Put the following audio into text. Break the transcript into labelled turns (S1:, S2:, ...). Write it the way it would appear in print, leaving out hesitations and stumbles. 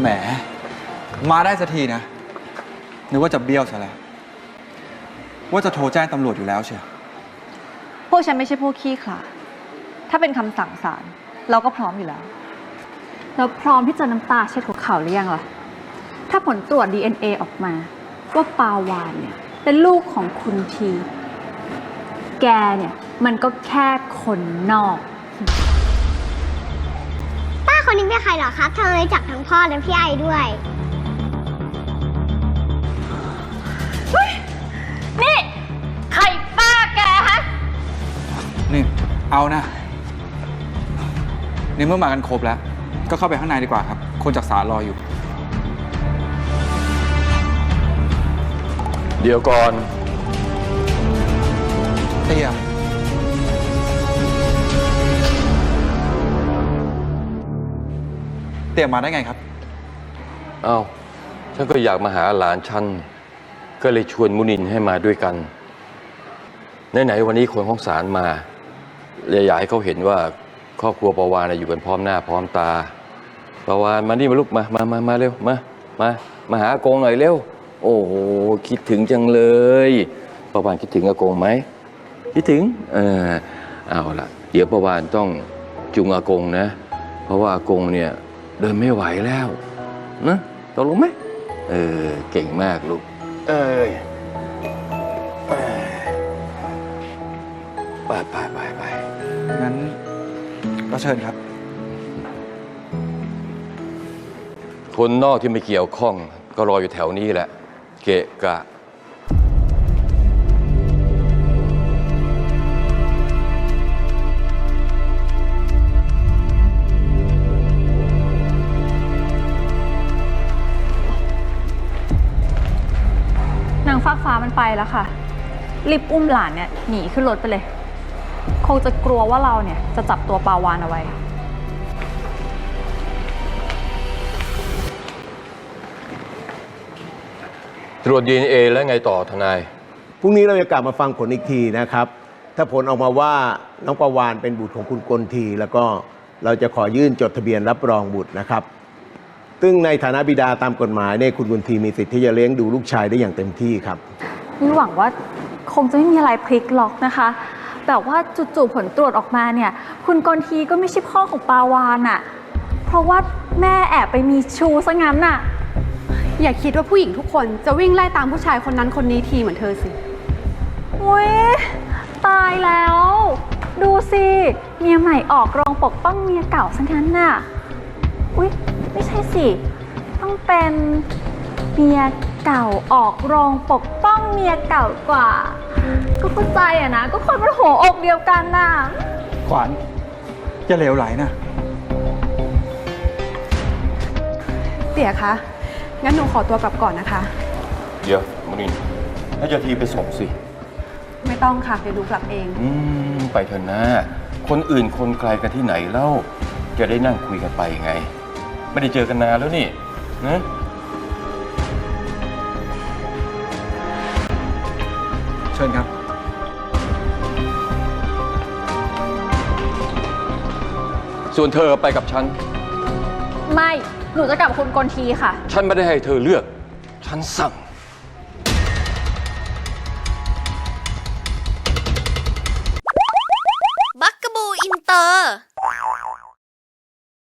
S1: แหมมาได้สักทีนะนึกว่าจะเบี้ยวซะแล้วว่าจะโทรแจ้งตำรวจอยู่แล้วเชียว
S2: พวกฉันไม่ใช่พวกขี้ขลาดถ้าเป็นคำสั่งศาลเราก็พร้อมอยู่แล้วเราพร้อมที่จะน้ำตาเช็ดหัวเข่าหรือยังล่ะถ้าผลตรวจ DNA ออกมาว่าปาวานเนี่ยเป็นลูกของคุณทีแกเนี่ยมันก็แค่คนนอก
S3: ป้าคนนี้เป็นใครเหรอครับทำไมรู้จักทั้งพ่อและพี่ไอด้วย
S2: นี่ใครป้าแกฮะ
S1: นี่เอานะนี่เมื่อมากันครบแล้วก็เข้าไปข้างในดีกว่าครับคนจากศาลรออยู่
S4: เดี๋ยวก่อน
S1: เตี้ยมาได้ไงครับ
S4: อ้าวฉันก็อยากมาหาหลานฉันก็เลยชวนมุนินให้มาด้วยกันไหนๆวันนี้คนของศาลมาเลยอยากให้เขาเห็นว่าครอบครัวปาวานอยู่กันพร้อมหน้าพร้อมตาปาวานมานี่มาลูกมาเร็วมาหาอากงหน่อยเร็วโอ้โหคิดถึงจังเลยปาวานคิดถึงอากงไหมคิดถึงเอาล่ะเดี๋ยวปาวานต้องจุงอากงนะเพราะว่าอากงเนี่ยเดินไม่ไหวแล้วนะตกลงไหมเก่งมากลูกไป
S1: งั้นก็เชิญครับ
S4: คนนอกที่ไม่เกี่ยวข้องก็รออยู่แถวนี้แหละเกะกะ
S2: นางฟ้าฟ้ามันไปแล้วค่ะรีบอุ้มหลานเนี่ยหนีขึ้นรถไปเลยคงจะกลัวว่าเราเนี่ยจะจับตัวปาวานเอาไว้
S4: ตรวจ DNA แล้วไงต่อทนาย
S5: พรุ่งนี้เราจะกลับมาฟังผลอีกทีนะครับถ้าผลออกมาว่าน้องปาวานเป็นบุตรของคุณกลทีแล้วก็เราจะขอยื่นจดทะเบียนรับรองบุตรนะครับซึ่งในฐานะบิดาตามกฎหมายเนี่ยคุณกลทีมีสิทธิ์ที่จะเลี้ยงดูลูกชายได้อย่างเต็มที่ครับ
S2: นี่หวังว่าคงจะไม่มีอะไรพลิกล็อกนะคะแต่ว่าจู่ๆผลตรวจออกมาเนี่ยคุณกลทีก็ไม่ใช่พ่อของปาวานอะเพราะว่าแม่แอบไปมีชู้ซะงั้นน่ะ
S6: อย่าคิดว่าผู้หญิงทุกคนจะวิ่งไล่ตามผู้ชายคนนั้นคนนี้ทีเหมือนเธอสิ
S2: โอ๊ยตายแล้วดูสิเมียใหม่ออกโรงปกป้องเมียเก่าซะงั้นน่ะอุ๊ยไม่ใช่สิต้องเป็นเมียเก่าออกโรงปกป้องเมียเก่ากว่าก็เข้าใจอะนะก็คนมันหัวอกเดียวกันน่ะ
S1: ขวัญอย่าเหลวไหลนะ
S6: เตี๋ยคะงั้นหนูขอตัวกลับก่อนนะคะ
S4: เดี๋ยวมุนินน่าจะทีไปส่งสิ
S6: ไม่ต้องค่ะเดี๋ยวดูกลับเอง
S4: ไปเถอะนะคนอื่นคนไกลกันที่ไหนเล่าจะได้นั่งคุยกันไปไงไม่ได้เจอกันนานแล้วนี่นะ
S1: เชิญครับ
S4: ส่วนเธอไปกับฉัน
S2: ไม่หนูจะกลับกับคุณกลทีค่ะ
S4: ฉันไม่ได้ให้เธอเลือกฉันสั่ง